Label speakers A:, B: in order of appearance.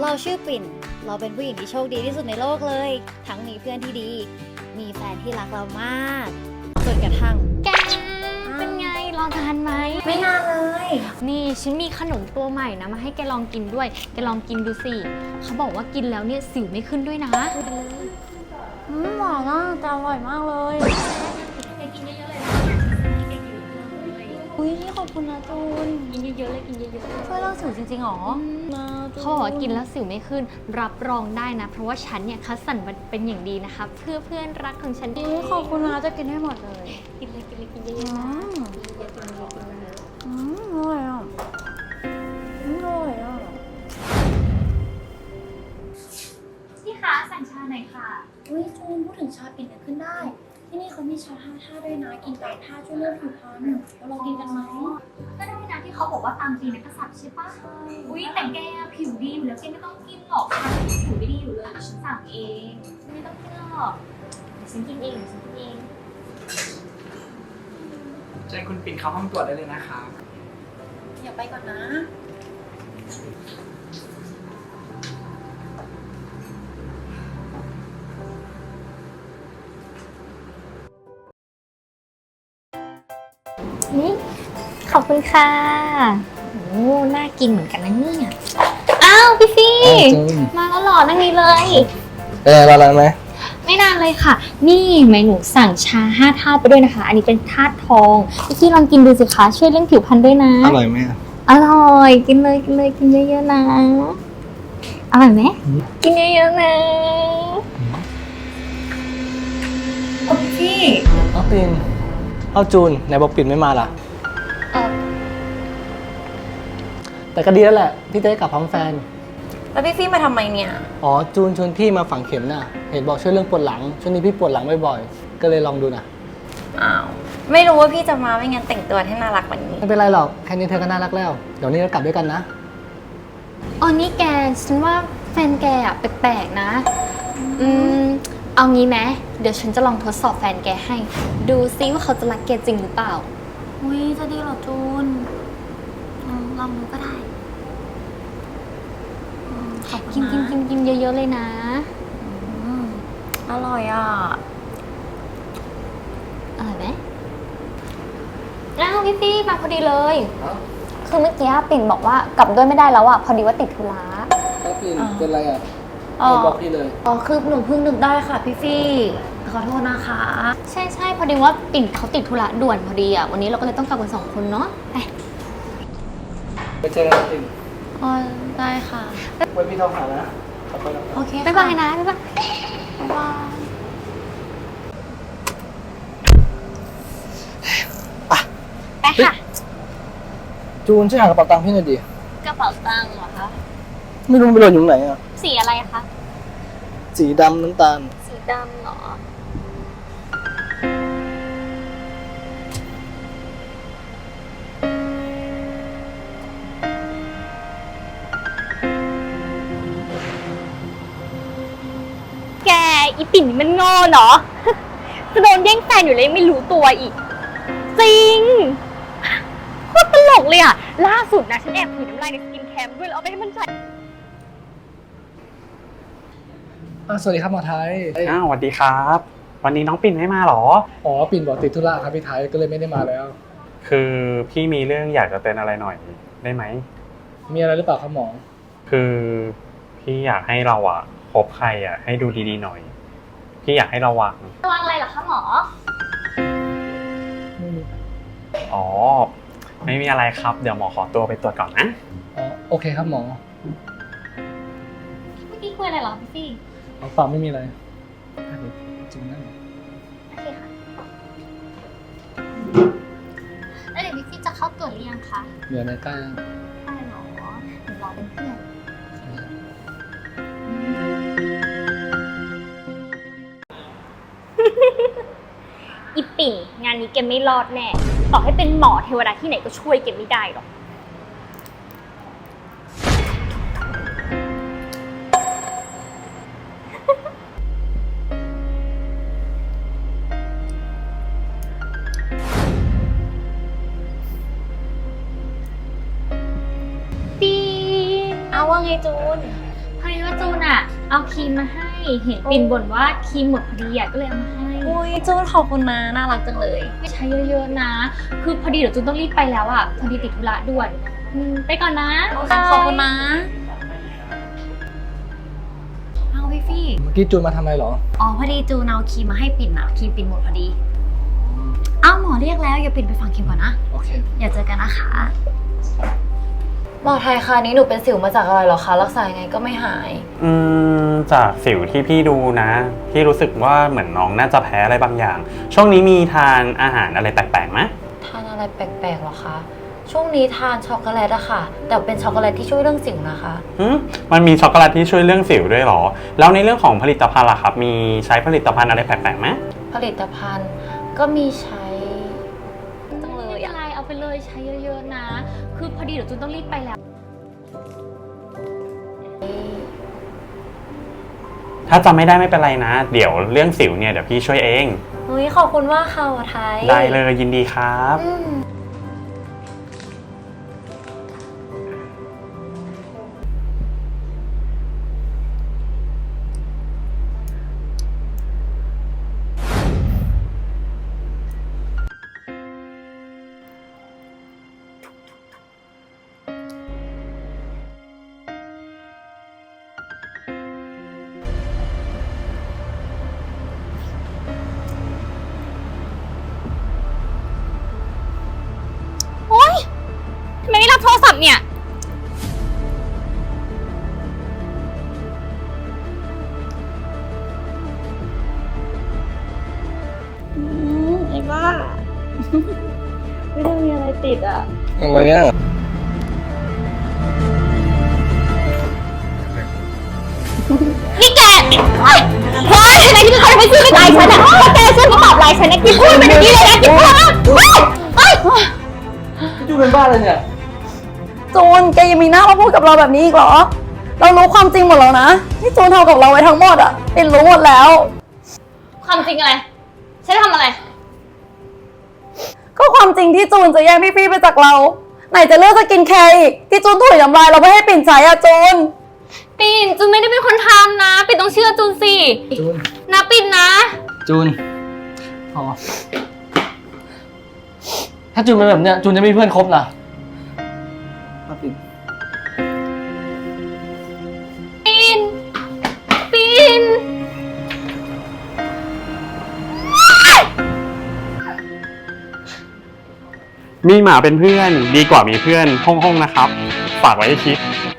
A: เราชื่อปิ่นเราเป็นผู้หญิงที่โชคดีที่สุดในโลกเลยทั้งมีเพื่อนที่ดีมีแฟนที่รักเรามากจนกระทั่ง
B: แกเป็นไงลองทานไหม
A: ไม่นานเลย
B: นี่ฉันมีขนมตัวใหม่นะมาให้แกลองกินด้วยแกลองกินดูสิเขาบอกว่ากินแล้วเนี่ยสิวไม่ขึ้นด้วยนะ
A: หวานอ่ะแต่อร่อยมากเลย
B: แกกินเยอะๆเลย
A: อุ้ยขอบคุณนะจูน
B: กินเยอะๆเลยกินเยอะๆ
A: ช่วยเล่าสิวจริงๆหรอ
B: เขาบอกว่ากินแล้วสิวไม่ขึ้นรับรองได้นะเพราะว่าฉันเนี่ยคัดสรรมันเป็นอย่างดีนะคะเพื่อเพื่อนรักของฉัน
A: ขอบคุณนะจะกินให้หมดเลย
B: กินเลยกินเลยกินเยอะๆนะเยอะๆกินเยอะๆกินเยอะ
A: อร่อยอ่ะอร่อยอ่ะ
B: พี่คะสั่งชาหน่อยค่ะ
C: อุ้ยจูนพูดถึงชาปิ่นนึกขึ้นได้ ที่นี่เขามีชา5 ท่าด้วยนะ กินตามท่าช่วยเรื่องผิวพรรณเราลองกินกันไหม
D: ก็ได้นะที่เขาบอกว่าตามตีนักกษัตริย์ใช่ปะอุ้ยแต่แกผิวดีอยู่แล้วแกไม่ต้องกินหรอกฉันผิวไม่ดีอยู่เลยเดี๋ยวฉันสั่งเองไม่ต้องกินหรอกเดี๋ยวฉันกินเองเดี๋ยวฉันกินเอง
E: เชิญคุณปิ่นเข้าห้องตรวจได้เลยนะครับ
C: อย่าไปก่อนนะ
B: นี่ขอบคุณค่ะโอ้น่ากินเหมือนกันนะเนี่ยอ้าวพี่ฟี่มาแล้วหรอนั่งนี้เลย
F: รอนานไหม
B: ไม่นานเลยค่ะ นี่เมนูสั่งชา5 ธาตุไปด้วยนะคะ อันนี้เป็นธาตุทองพี่ฟี่ลองกินดูสิคะช่วยเรื่องผิวพรรณด้วยนะ
F: อร่อยไหม
B: อร่อยกินเลยกินเลยกินเยอะๆนะอร่อยไหมกินเยอะๆนะ
A: พี่
F: เอาปิ่นเอาจูนไหนบอกปิ่นไม่มาล่ะ แต่ก็ดีแล้วแหละพี่จะได้กลับพร้อมแฟน
A: แล้วพี่ฟี่มาทำไมเนี่ย
F: อ๋อจูนชวนพี่มาฝังเข็มน่ะเห็นบอกช่วยเรื่องปวดหลังช่วงนี้พี่ปวดหลังบ่อยๆก็เลยลองดูนะ
A: อ้าวไม่รู้ว่าพี่จะมาไม่งั้นแต่งตัวให้น่ารักกว่านี้
F: ไม่เป็นไรหรอกแค่นี้เธอก็น่ารักแล้วเดี๋ยวนี้เรากลับด้วยกันนะ
B: อ๋อนี่แกฉันว่าแฟนแกอะแปลกๆนะเอางี้ไหมเดี๋ยวฉันจะลองทดสอบแฟนแกให้ ดูซิว่าเขาจะรักแกจริงหรือเปล่า
A: อุ้ยจะดีเหรอจูนลองดูก็ได้ขอบคุ
B: กิ
A: ณ
B: น
A: นะ
B: กินเยอะๆเลยนะ
A: อร่อยอ่ะ
B: อร่อยไหมอ้าวพี่ฟี่มาพอดีเลยคือเมื่อกี้ปิ่นบอกว่ากลับด้วยไม่ได้แล้วอ่ะพอดีว่าติดธุระ
F: แล้วปิ่นเป็นไรอ่ะ
A: อ๋อ
F: บอกพี่เลย
A: อ๋อคือหนูเพิ่งนึกได้ค่ะพี่ฟี่ขอโทษนะคะ
B: ใช่พอดีว่าปิ่นเขาติดธุระด่วนพอดีอ่ะวันนี้เราก็เลยต้องกลับกัน2 คนเนาะไป
F: ไปเจอกันปิ่น
A: อ๋อได้ค่ะ
F: ไว้พี่โทรหานะขอบคุณนะ
A: โอเค
B: บ๊ายบายนะบ๊ายบาย
A: บ๊ายบาย
B: ไปค่ะ
F: จูนช่วยหากระเป๋าตังค์พี่หน่อยดิ
B: กระเป๋าตังค์เหรอคะ
F: ไม่รู้มันไปหล่นอยู่ไหนอ่ะ
B: สีอะไรคะ
F: สีดำน้ำตาล
B: สีดำเหรอแกอีปิ่นนี่มันโง่เนาะ จะโดนแย่งแฟนอยู่เลยยังไม่รู้ตัวอีก จริงโคตรตลกเลยอ่ะ ล่าสุดนะฉันแอบถือน้ำลายในสกินแคมด้วยแล้วเอาไปให้มันใช้
F: สวัสดีครับหมอไทย
E: อ้าวสวัสดีครับ วันนี้น้องปิ่นไม่มาหรอ
F: อ๋อปิ่นบอกติดธุระครับพี่ไทยก็เลยไม่ได้มาแล้ว
E: คือพี่มีเรื่องอยากจะเตือนอะไรหน่อยได้ไหม
F: มีอะไรหรือเปล่าครับหมอ
E: คือพี่อยากให้เราอะคบใครอะให้ดูดีๆหน่อย พี่อยากให้ระวัง
B: ระวังอะไรเหรอคะหมอ
E: อ๋อ ไม่มีอะไรครับ เดี๋ยวหมอขอตัวไปตรวจก่อนนะ
F: อ๋อโอเคครับหมอ
B: เมื่อกี้คุยอะไรเหรอพี่ฟี่
F: เปล่าไม่มีอะไรจริงนะ
B: โอเคค่ะ แล้วเดี๋ยวพี่ฟี่จะเข้าตรวจหรือยังคะ
F: เหลือในใกล้
B: ได้หรอหนูรอเป็นเพื่อน อีปิ่นงานนี้แกไม่รอดแน่ ต่อให้เป็นหมอเทวดาที่ไหนก็ช่วยแกไม่ได้หรอก ปีน
A: เอาว่าไงจูน
B: พอ
D: อดีว่าจูนอะเอาครีมมาให้ เห็นปิ่นบ่นว่าครีมหมดพอดีอะก็เลยเอามาให้
A: อุ้ยจูนขอบคุณนะน่ารักจังเลย
D: ใช้เยอะๆนะ คือพอดีเดี๋ยวจูนต้องรีบไปแล้วอะพอดีติดธุระด่วนไปก่อนนะ
A: ขอบคุณนะเอาพี่ฟี่
F: เมื่อกี้จูนมาทำอะไรเหรอ
A: อ๋อพอดีจูนเอาครีมมาให้ปิ่นนะครีมปิ่นหมดพอดีเอ้าหมอเรียกแล้วอย่าปิ่นไปฟังครีมก่อนนะ
F: โอเค
A: อย่าเจอกันนะคะหมอไทยคะนี้หนูเป็นสิวมาจากอะไรเหรอคะรักษายังไงก็ไม่หาย
E: จากสิวที่พี่ดูนะพี่รู้สึกว่าเหมือนน้องน่าจะแพ้อะไรบางอย่าง ช่วงนี้มีทานอาหารอะไรแปลกๆไหม
A: ทานอะไรแปลกๆหรอคะช่วงนี้ทานช็อกโกแลตอะค่ะแต่เป็นช็อกโกแลตที่ช่วยเรื่องสิวนะคะ
E: มันมีช็อกโกแลตที่ช่วยเรื่องสิวด้วยเหรอแล้วในเรื่องของผลิตภัณฑ์ล่ะครับมีใช้ผลิตภัณฑ์อะไรแปลกๆไหม
A: ผลิตภัณฑ์ก็มีใช้จังเล
D: ไม่
A: ย
D: เป็น
A: อะ
D: ไรเอาไปเลยใช้เยอะๆนะ คือพอดีเดี๋ยวจูนต้องรีบไปแล้ว
E: ถ้าจำไม่ได้ไม่เป็นไรนะ เดี๋ยวเรื่องสิวเนี่ยเดี๋ยวพี่ช่วยเอง
A: เฮ้ยขอบคุณมากค่ะหมอไทย
E: ได้เลยยินดีครับ
B: ทำไมไม่รับโทรศัพท์เนี่ย
A: ไอ้บ้า ไม่ได้มีอะไรติดอ่ะ
F: อะไรอ่ะ
B: นี่แกเฮ้ยทำไมที่เป็นคนไม่ซื้อไม่จ่ายฉันอะแล้วแกซื้อมาตอบไลน์ฉันนะกินพูดไปแบบนี้เลยนะกินพูดเฮ้ย
F: จูนเป็นบ้าเลยเนี่ย
G: จูนแกยังมีหน้ามาพูดกับเราแบบนี้อีกเหรอ เรารู้ความจริงหมดแล้วนะที่จูนทำกับเราไว้ทั้งหมดอ่ะปิ่นรู้หมดแล้ว
B: ความจริงอะไร ฉันทำอะไร
G: ก็ความจริงที่จูนจะแย่งพี่ฟี่ไปจากเรา ไหนจะเลือกสกินแคร์อีกที่จูนถุยน้ำลายเราไม่ให้ปิ่นใช้อ่ะจูน
B: ปิ่นจูนไม่ได้เป็นคนทำนะ ปิ่นต้องเชื่อจูนสิ
F: จูน
B: นะปิ่นนะ
F: จูนพอถ้าจูนเป็นแบบเนี้ยจูนจะไม่มีเพื่อนคบนะมาปิด
B: ปิ่น ปิ่น
E: มีหมาเป็นเพื่อนดีกว่ามีเพื่อนห้องๆนะครับ ฝากไว้ให้คิด